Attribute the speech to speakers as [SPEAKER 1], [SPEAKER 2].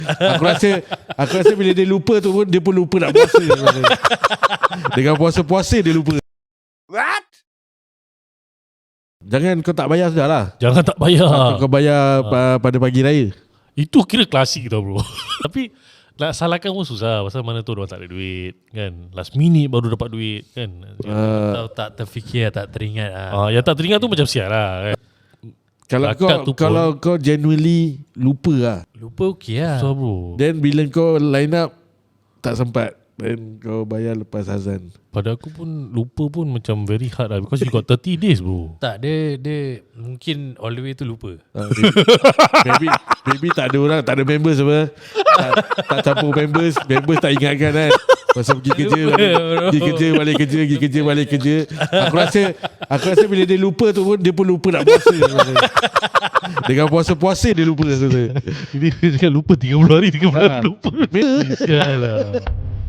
[SPEAKER 1] Aku rasa bila dia lupa tu pun, dia pun lupa nak puasa. Dengan puasa-puasa dia lupa.
[SPEAKER 2] What?
[SPEAKER 1] Jangan kau tak bayar sudah lah.
[SPEAKER 3] Jangan tak bayar.
[SPEAKER 1] Kau bayar pada pagi raya.
[SPEAKER 3] Itu kira klasik tau bro. Tapi nak salahkan pun susah. Pasal mana tu orang tak ada duit kan. Last minute baru dapat duit kan.
[SPEAKER 4] Atau tak terfikir, tak teringat
[SPEAKER 3] Yang tak teringat tu macam sial lah kan.
[SPEAKER 1] Kalau kau genuinely lupa lah,
[SPEAKER 4] lupa okey lah.
[SPEAKER 3] Susah bro.
[SPEAKER 1] then bila kau line up tak sempat, then kau bayar lepas azan.
[SPEAKER 3] Pada aku pun lupa pun macam very hard lah. Because you got 30 days bro.
[SPEAKER 4] Tak, dia mungkin all the way tu lupa.
[SPEAKER 1] Maybe tak ada orang, tak ada members apa. Tak campur members tak ingatkan kan. Pasal pergi kerja, balik kerja. Aku rasa bila dia lupa tu pun, dia pun lupa nak puasa. Dengan puasa-puasa dia lupa.
[SPEAKER 3] Ini dia cakap lupa 30 hari lupa. Sial lah.